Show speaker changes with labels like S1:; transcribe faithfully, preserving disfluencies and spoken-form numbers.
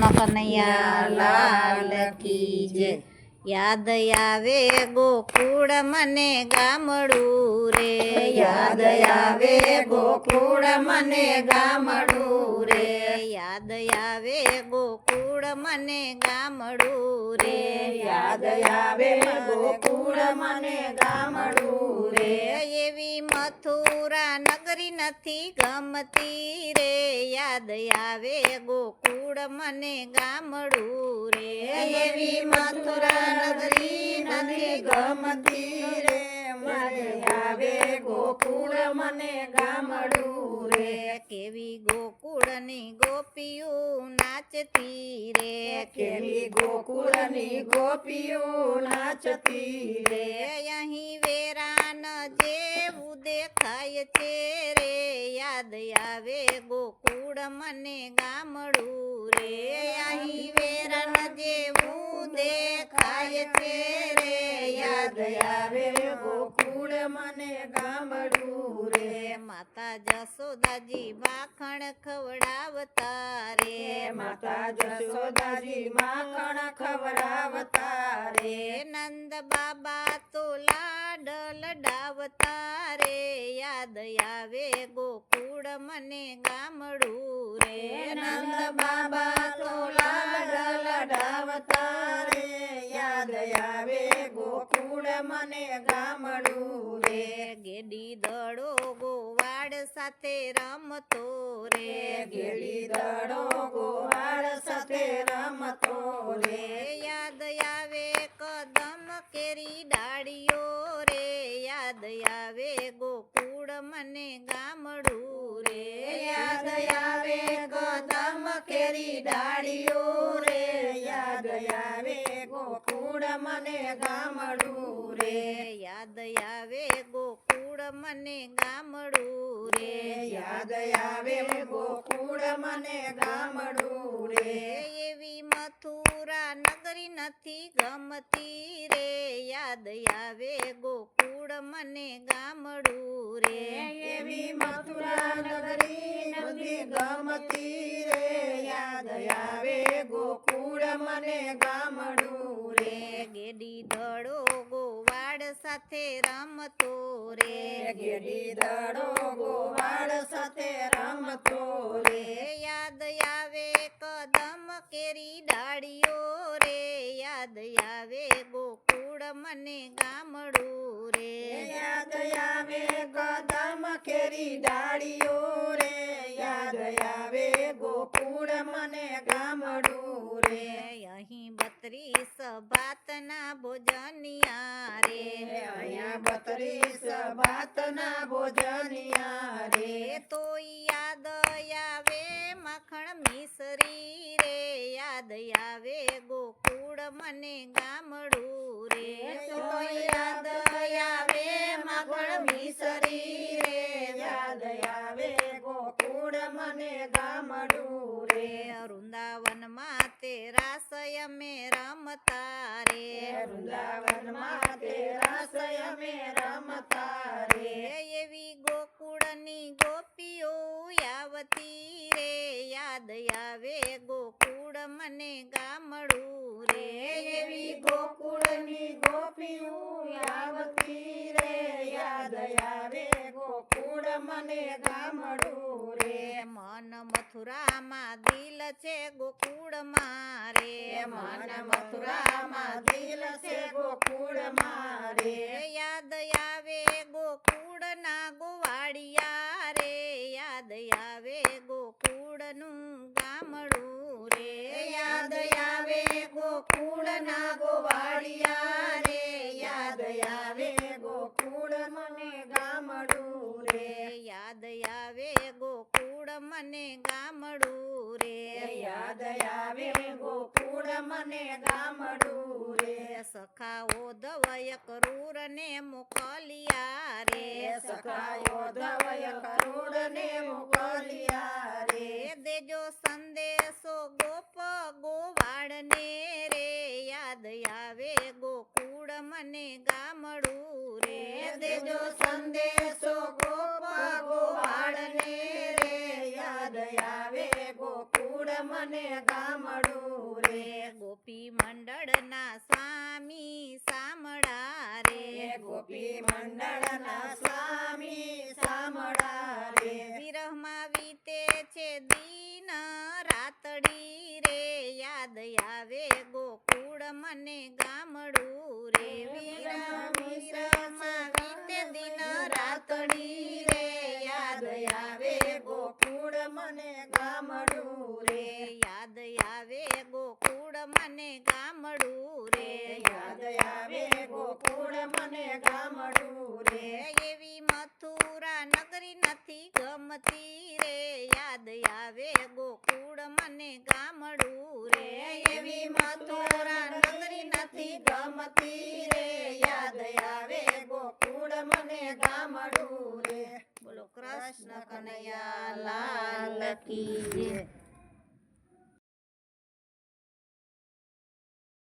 S1: કૃષ્ણ કનૈયા લાલ કી જય। યાદ આવે ગોકુળ મને ગામડું રે,
S2: યાદ આવે ગોકુળ મને ગામડું રે,
S1: યાદ આવે ગોકુળ મને ગામડું રે,
S2: યાદ આવે ગોકુળ મને ગામડું રે,
S1: એવી મથુરા નગરી નથી ગમતી રે, યાદ આવે ગોકુળ મને ગામડું રે,
S2: એવી મથુરા નગરી નથી ગમતી રે, મને આવે ગોકુળ મને ગામડું રે,
S1: કેવી ગોકુળની ગોપીઓ નાચતી રે,
S2: કેવી ગોકુળની ગોપીઓ નાચતી રે,
S1: અહીં વેરાન જેવું દેખાય છે રે, યાદ આવે ગોકુળ મને ગામડું રે, અહીં વેરાન જેવું દેખાય છે રે,
S2: યાદ આવે ગોકુળ મને ગામડું રે,
S1: માતા જસોદાજી માખણ ખવડાવતા રે,
S2: માતા જશોદાજી માખણ ખવડાવતા રે,
S1: નંદ બાબા તો લાડ લડાવતા રે, યાદ આવે ગોકુળ મને ગામડું રે,
S2: નંદ બાબા તો લાડ લડાવતા રે, યાદ આવે ગોકુળ મને ગામડું રે,
S1: ગેડી દડો ગોવાડ સાથે રમતો રે,
S2: ગેડી દડો ગોવાળ સાથે રમતો રે,
S1: યાદ આવે કદમ કેરી ડાળીઓ રે, યાદ આવે ગોકુળ મને ગામડું રે,
S2: યાદ આવે કદમ કેરી ડાળીઓ રે, યાદ આવે ગોકુળ મને ગામડું રે,
S1: યાદ આવે ગોકુળ મને ગામડું રે,
S2: યાદ આવે ગોકુળ મને ગામડું રે,
S1: એવી મથુરા નગરી નથી ગમતી રે, યાદ આવે ગોકુળ મને ગામડું રે,
S2: એવી મથુરા નગરી નથી ગમતી રે, યાદ આવે ગોકુળ મને ગામડું રે,
S1: ગેડી દડો ગોવાડ સાથે રમતો રે,
S2: ગેડી દડો ગોવાળ સાથે રમતો રે,
S1: યાદ આવે કદમ કેરી ડાળીઓ રે, યાદ આવે ગોકુળ મને ગામડું રે,
S2: યાદ આવે કદમ કેરી ડાળીઓ રે, યાદ આવે ગોકુળ મને ગામડું રે,
S1: અહીં બત્રીસ ભાતના ભોજનિયા રે,
S2: અહીંયા બત્રીસ ભાતના ભોજનિયા રે,
S1: તો યાદ આવે માખણ મિસરી રે, યાદ આવે ગોકુળ મને ગામડું રે,
S2: તો યાદ આવે માખણ મિસરી રે, યાદ આવે ગોકુળ મને ગામડું રે,
S1: વૃંદાવનમાં તે રાસય મે રમતા રે,
S2: વૃંદાવનમાં તે રાસય મે રમતા રે,
S1: એવી ગોકુળની ગોપીઓ આવતી રે, યાદ આવે ગોકુળ મને ગામડું રે,
S2: એવી ગોકુળની ગોપીઓ આવતી રે, યાદ આવે ગોકુળ મને ગામડું રે,
S1: મન મથુરામાં દિલ છે ગોકુળ મારે,
S2: મન મથુરામાં દિલ છે ગોકુળ મારે,
S1: યાદ આવે ગોકુળ ના ગોવાળિયા રે, યાદ આવે ગોકુળ નું ગામડું રે,
S2: યાદ આવે ગોકુળ ના ગોવાળિયા રે, યાદ આવે ગોકુળ મને ગામડું રે,
S1: યાદ આવે ગોકુળ મને ગામડું રે,
S2: યાદ આવે ગોકુળ મને ગામડું રે,
S1: સખાઓ ધવય ક્રૂર ને મોકલિયા રે,
S2: સખાયો ધવય કરુણ ને મોકલિયા રે,
S1: દેજો સંદેશો ગોપ ગોવાળ ને રે, યાદ આવે ગોકુળ મને ગામડું રે,
S2: દેજો સંદેશો ગોપ ગોવાળ ને રે, યાદ આવે ગોકુળ મને ગામડું રે
S1: ગોપી મંડળના સ્વામી સામળા રે
S2: એ ગોપી મંડળના સ્વામી સામળા રે
S1: વિરહમાં વીતે છે દિન રાતડી રે યાદ આવે ગોકુળ મને ગામડું રે વિરહ વિરહમાં વીતે દિન રાતડી